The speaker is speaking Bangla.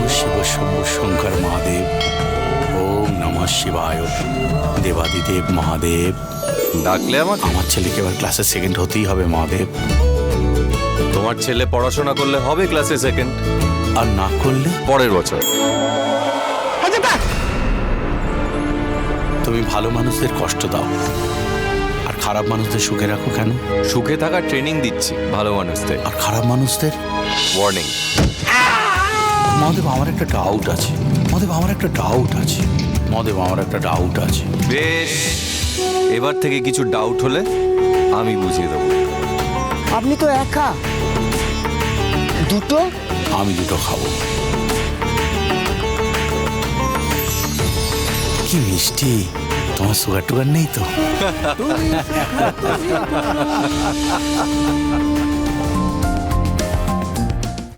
শিব শম্ভু শঙ্কর মহাদেব। ওম নমঃ শিবায়। দেবাদিদেব মহাদেব। ডাকলে আমাকে? আমার ছেলেকে এবার ক্লাসে সেকেন্ড হতেই হবে মহাদেব। তোমার ছেলে পড়াশোনা করলে হবে ক্লাসে সেকেন্ড, আর না করলে পরের বছর। তুমি ভালো মানুষদের কষ্ট দাও আর খারাপ মানুষদের সুখে রাখো কেন? সুখে থাকার ট্রেনিং দিচ্ছি ভালো মানুষদের। আর খারাপ মানুষদের ওয়ার্নিং। মহাদেব আমার একটা ডাউট আছে। মহাদেব আমার একটা ডাউট আছে। মহাদেব আমার একটা ডাউট আছে। বেশ, এবার থেকে কিছু ডাউট হলে আমি বুঝিয়ে দেবো। আপনি তো একা, দুটো আমি দুটো খাবো। কি মিষ্টি। তোমার সুগার টুগার নেই তো?